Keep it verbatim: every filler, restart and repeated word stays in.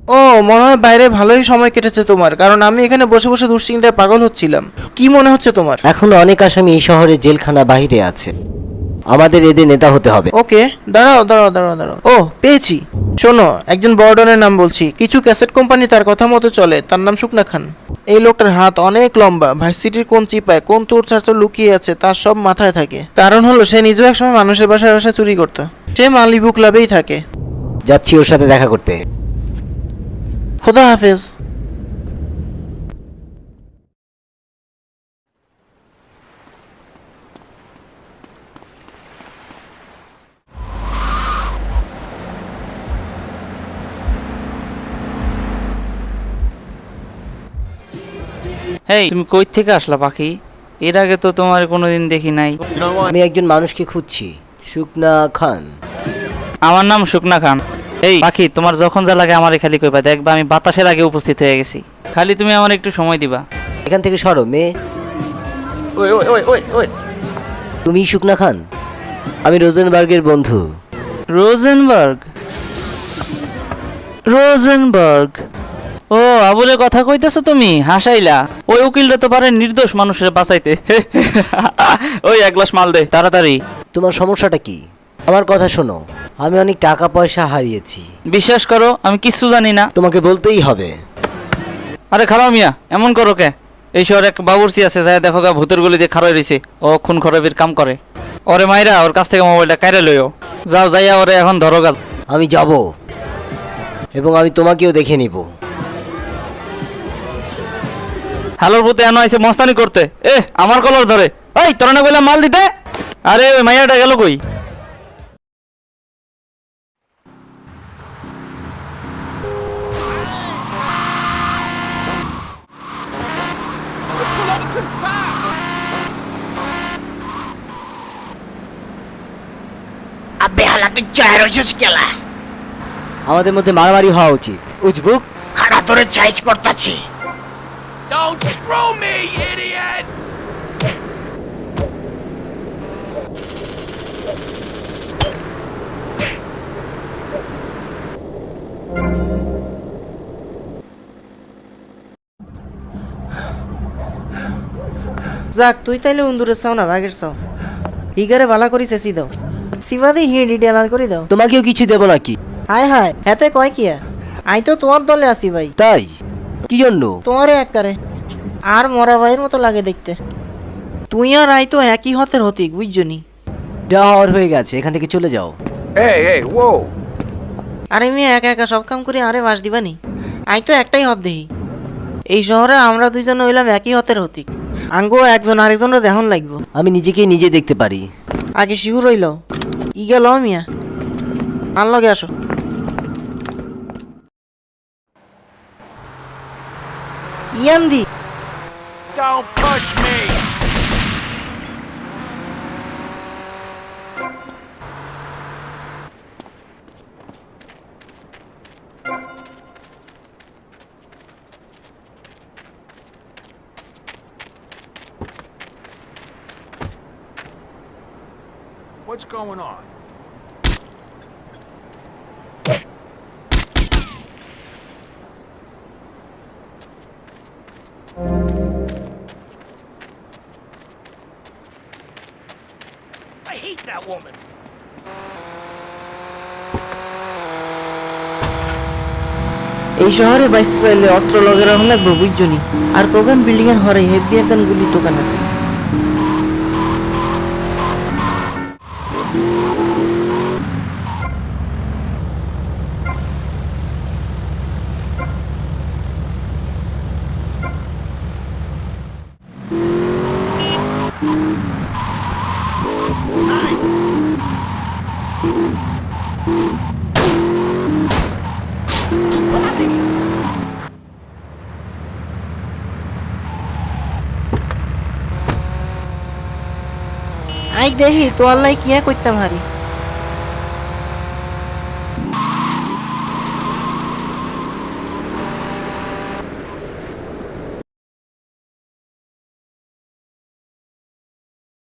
ও, মনে হয় বাইরে ভালোই সময় কেটেছে তোমার, কারণ আমি এখানে বসে বসে দুশ্চিন্তায় পাগল হচ্ছিলাম। কি মনে হচ্ছে তোমার? এখনো অনেক আসামি এই শহরে জেলখানা বাহিরে আছে। আমাদের এদের নেতা হতে হবে। ওকে, দাঁড়াও দাঁড়াও দাঁড়াও দাঁড়াও ও, পেয়েছি। শোনো, একজন বর্ডনের নাম বলছি। কিছু ক্যাসেট কোম্পানি তার কথা মতো চলে। তার নাম শুকনা খান। এই লোকটার হাত অনেক লম্বা। ভার্সিটির কোন চিপায় কোন চোর চাচা লুকিয়ে আছে তার সব মাথায় থাকে। কারণ হলো সে নিজেও একসময় মানুষের বাসায় বাসায় চুরি করতো। সে মালিবু ক্লাবেই থাকে। যাচ্ছি ওর সাথে দেখা করতে। খোদা হাফেজ। হেই, তুমি কই থেকে আসলা পাখি? এর আগে তো তোমার কোনোদিন দেখি নাই। আমি একজন মানুষকে খুঁজছি, শুকনা খান। আমার নাম শুকনা খান। এই পাখি, তোমার যখন যা লাগে আমারে খালি কইবা, দেখবা আমি বাতাসের আগে উপস্থিত হয়ে গেছি। খালি তুমি আমার একটু সময় দিবা। এখান থেকে সরো মেয়ে। ওই ওই ওই ওই ওই তুমি শুকনা খান? আমি রোজেনবার্গের বন্ধু। রোজেনবার্গ? রোজেনবার্গ? ও, আবুলের কথা কইতেছো তুমি? হাসাইলা। ওই উকিলটা তো পারে নির্দোষ মানুষের বাঁচাইতে। ওই এক গ্লাস মাল দে তাড়াতাড়ি। তোমার সমস্যাটা কি? আমার কথা শোনো, আমি অনেক টাকা পয়সা হারিয়েছি। বিশ্বাস করো, আমি কিচ্ছু জানি না। তোমাকে বলতেই হবে। আরে খারাপ মিয়া, এমন করো কে? এই শহরে এক বাবুর্চি আছে, যায় দেখো গা, ভূতের গলি দিয়ে খারাই রয়েছে। ও খুন খরবের কাম করে। ওরে মাইরা ওর কাছ থেকে মোবাইলটা কাইরে লইও। যাও, যাইয়া ওরে এখন ধরো গা। আমি যাব এবং আমি তোমাকেও দেখে নিব। হ্যালোর ভূতে এনো আইছে মস্তানি করতে। এ আমার কলর ধরে। এই তোরা না বললাম মাল দিতে? আরে ওই মাইয়াটা গেল কই? আবে হালা তুই চায় রইছিস কেলা? আমাদের মধ্যে মারামারি হওয়া উচিত। উজবুক, খাড়া ধরে চাইজ করতাছি। Don't screw me, idiot! যাক, তুই তাইলে উন্দুরের চাও না বাঘের চাও। হিগারে ভালা করি চেঁচি দাও। সিবাদি হিড়ি ডেলাল করে দাও। তোমাকেও কিছু দেব নাকি? হায় হায়, হেতে কয় কিয়া? আই তো তোমার দলে আছি ভাই। তাই? কি জন্য? তোমারে এককারে আর মরা ভাইয়ের মতো লাগে দেখতে। তুই আর আই তো একই হতের হতিক, বুঝছনি? যা হওয়ার হয়ে গেছে, এখান থেকে চলে যাও। Hey, hey, whoa! আরে মেয়ে একা একা সব কাম করে আরে বাস দিবানি? আই তো একটাই হত দেহি। এই শহরে আমরা দুইজন হইলাম একই হতের হতিক। আঙ্গো একজন আরেকজনের দেহন লাগবো। আমি নিজেকে নিজে দেখতে পারি। আগে শিহু রইল। ই গেল মিয়া, আর লগে আসো। ইয়ান্দি Don't push me! What's going on? I hate that woman. এই শহরে বাইসতে চাইলে অস্ত্র লগে রাখা লাগবো, বুঝছনি? আর কোকান বিল্ডিং এর হরে হেভি একখান গুলি দোকান আছে। আই দেখি তো আল্লাহ কিয়া করতাম হারি।